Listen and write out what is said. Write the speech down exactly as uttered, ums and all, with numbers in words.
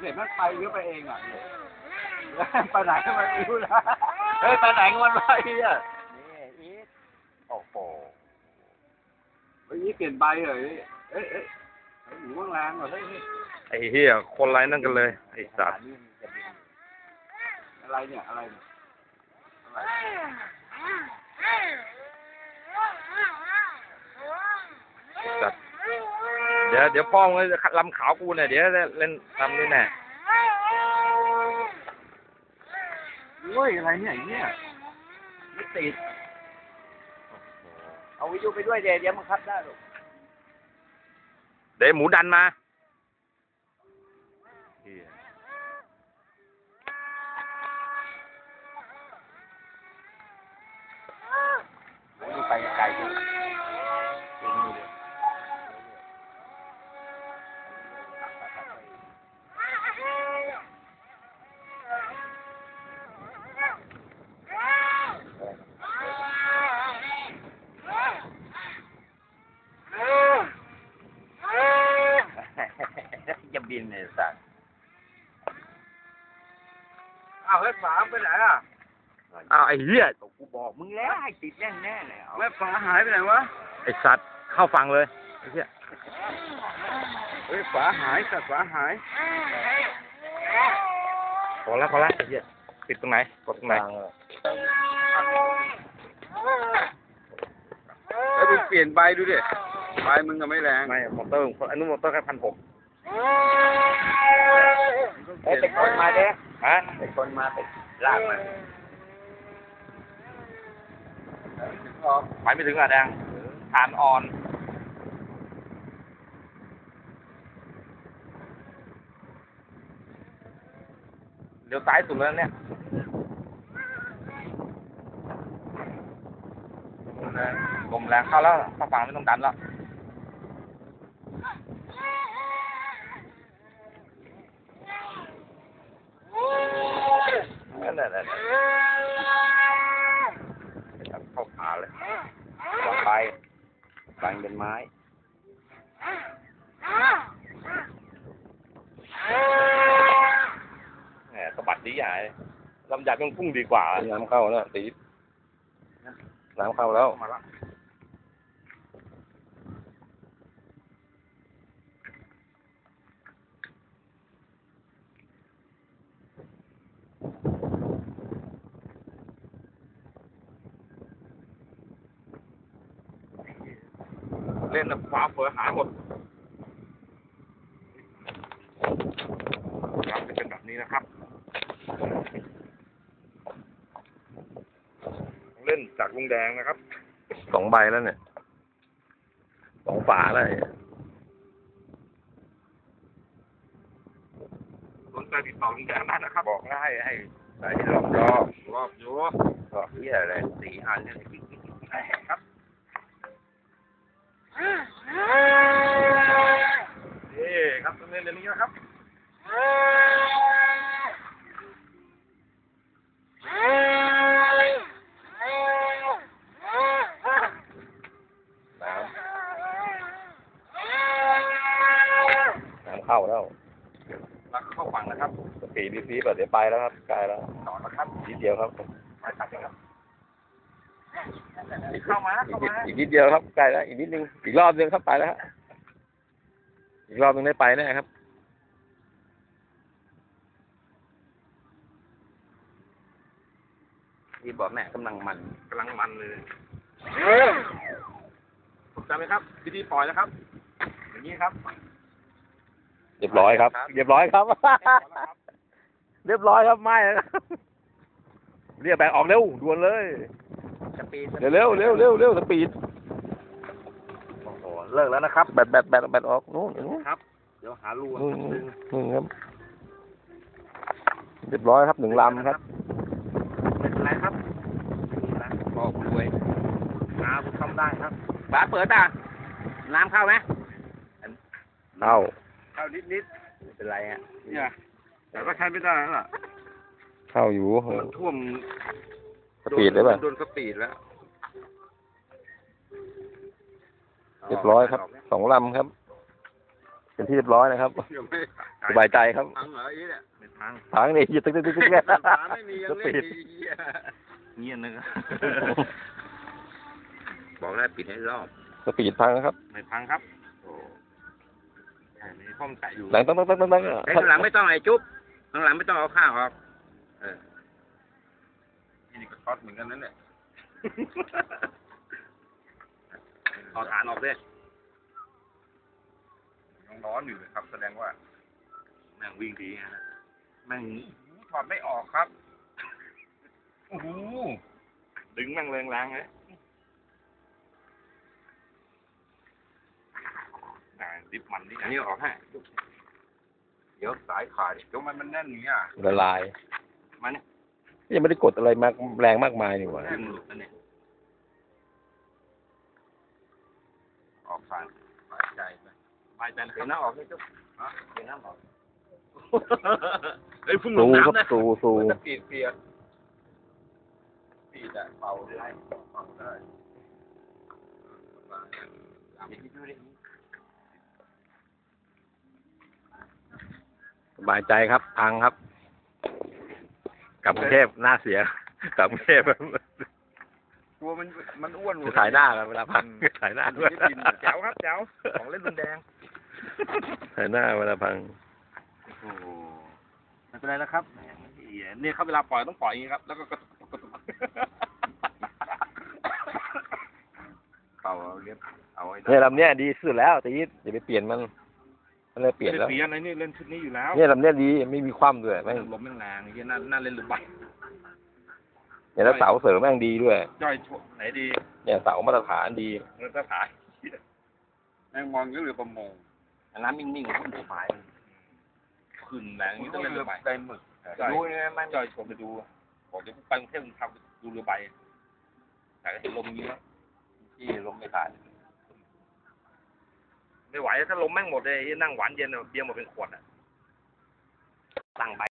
เสร็จมันไปหรือไปเองอ่ะไปไหนก็ไม่รู้นะเฮ้ยไปไหนกันวันไปอ่ะนี่อีทโอ้โหเฮ้ยเปลี่ยนใบเหรอเอ้ยเอ้ยหนูแรงเหรอเฮ้ยไอ้เหี้ยคนไรนั่นกันเลยไอ้สัตว์อะไรเนี่ยอะไรเนี่ยสัตว์เดี๋ยวเดี๋ยวป้องเลยลำขาวกูเนี่ยเดี๋ยวเล่นลำนี่แน่โอ้ยอะไรเนี่ยเนี่ยไม่ติดเอาวิทยุไปด้วยเดี๋ยวเดี๋ยวมันคัดได้หรอกเดี๋ยวหมูดันมาไปไกลจังจะบินเนี่ยสัตว์อ้าวเฮ้ยฝาไปไหนอ่ะอ้าวไอ้เหี้ยกูบอกมึงแล้วให้ติดแน่แน่เลยแม่ฝาหายไปไหนวะไอ้สัตว์เข้าฟังเลยไอ้เหี้ยเฮ้ยฝาหายสัตว์ฝาหายพอแล้วพอแล้วไอ้เหี้ยปิดตรงไหนกดตรงไหนแล้วมึงเปลี่ยนใบดูดิใบมึงก็ไม่แรงไม่มอเตอร์อันนู้นมอเตอร์แค่พันหกเอ้ยเป็นคนมาเด้ฮะเป็นคนมาเป็นลากมาไปไม่ถึงอ่ะแดงฐานอ่อนเดี๋ยวซ้ายสุดแล้วเนี่ยลมแรงเข้าแล้วถ้าฝั่งไม่ต้องดันแล้วนั่นแหละนั่นแหละเข้าขาเลยวางไปบังเป็นไม้แหมสะบัดดีใหญ่ลำใหญ่ต้องพุ่งดีกว่าน้ำเข้าแล้วตีน้ำเข้าแล้วมาแล้วเล่นแล้วฟ้าเฟือหายหมดครับจะเป็นแบบนี้นะครับเล่นจากลุงแดงนะครับสองใบแล้วเนี่ยสองฝาแล้วสนใจติดต่อลุงแดงได้นะครับบอกแล้วให้ให้ใส่รอบรอบรอบอยู่รอบที่อะไรสี่อันเนี่ยครับนี่ครับตรงนี้เดี๋ยวนี้นะครับน้ำน้ำเข้าแล้วแล้วเข้าฝั่งนะครับสปีดดีซีแบบเดี๋ยวไปแล้วครับใกล้แล้วต่อแล้วครับนิดเดียวครับไปตัดเลยครับเข้ามาเข้ามาอีกนิดเดียวครับใกล้แล้วอีกนิดนึงอีกรอบนึงครับไปแล้วฮะอีกรอบนึงได้ไปแน่ครับที่บอกแม่กำลังมันกำลังมันเลยถูกใจไหมครับวิธีปล่อยนะครับอย่างนี้ครับเรียบร้อยครับเรียบร้อยครับเรียบร้อยครับไม่แล้วเรียกแบกออกเร็วด่วนเลยเร็วเร็วเร็วเร็วเร็วสปีดโอ้โหเลิกแล้วนะครับแบตแบตแบตแบตออกนู้นนู้นครับเดี๋ยวหารูนึงนึงครับเรียบร้อยครับหนึ่งลำครับเป็นไรครับบอกรวยน้ำทำได้ครับฝาเปิดอ่ะน้ำเข้าไหมเข้าเข้านิดนิดเป็นไรอ่ะเนี่ยแต่ก็ใช้ไม่ได้แล้วล่ะเข้าอยู่มันท่วมสปีดได้ป่ะโดนสปีดแล้วเรียบร้อยครับสองลำครับเป็นที่เรียบร้อยนะครับยังไม่สบายใจครับพังเหรออีเนี่ยไม่พังทางนี่ยึดตึ๊กตึ๊กตึ๊กตึ๊กเนี่ยฝาไม่มียังเล่นดีเหี้ยเงียบนึงบอกแล้วปิดให้รอบสปีดพังนะครับไม่พังครับโอ้ใช่มีข้อมนแตะอยู่หลังต้องต้องต้องต้องไอ้ข้างหลังไม่ต้องไอ้จุ๊บข้างหลังไม่ต้องเอาข้าวออกเออนี่ก็ช็อตเหมือนกันนั่นแหละเอาฐานออกด้วยยังร้อนอยู่เลยครับ แสดงว่าแม่งวิ่งดีฮะแม่งถอดไม่ออกครับโอ้โหดึงแม่งแรงๆเลยอ่าดิบมันดิอันนี้ออกให้เดี๋ยวสายขาดเดี๋ยวมันมันแน่นอย่างเงี้ยละลายมันเนี่ยยังไม่ได้กดอะไรมากแรงมากมายนี่หว่าดึงหลุดแล้วเนี่ยออกผ่านสายใจไปสบายใจนะคเดี๋ยรัวบน้ำออกนี่จุ๊บเดี๋ยวน้ำออกเฮ้ยพุ่งลสูงครับน้ำนะสูสูมันจะปีดเปียกปีดอะเป่าได้เป่าได้เอาไปดูดิสบายใจครับพังครับ กลับกรุงเทพหน้าเสีย กลับกรุงเทพตัวมันมันอ้วนจะถ่ายหน้ากันเวลาพังถ่ายหน้าด้วยแจ๋วครับแจ๋วของเล่นรุนแรงถ่ายหน้าเวลาพังโอ้โหไม่เป็นไรนะครับแหมเนี่ยครับเวลาปล่อยต้องปล่อยอย่างนี้ครับ แล้วก็กระตุกกระตุกเป่าเอาเลี้ยบเอาไว้เนี่ยลำเนี้ยดีสุดแล้วแต่ยี่อย่าไปเปลี่ยนมันมันเลยเปลี่ยนแล้วเปลี่ยนอะไรนี่เล่นชุดนี้อยู่แล้วเนี่ยลำเนี้ยดีไม่มีคว่ำด้วยแม่งลมแม่งแรงไอ้เหี้ยน่าน่าเล่นหรือใบเนี่ยแล้วเสาเสริมแม่งดีด้วยย่อยชวไหนดีเนี่ยเสามาตรฐานดีเงินสถานแมงมองก็เรือประมงน้ำนิ่งๆมันสบายขึ้นแรงนี่ต้องเล่นเรืเรือ อใบใบหมึกย่อยดูเนี่ยมันย่อยชวนไปดูบอกเดี๋ยวไปกรุงเทพมึงทำดูเรือใบแต่ก็เห็นลมอย่างนี้แล้วที่ลมไม่ขาดไม่ไหวถ้าลมแม่งหมดเลยไอ้นั่งหวานเย็นอะเบียร์หมดเป็นขวดอ่ะตั้งใบ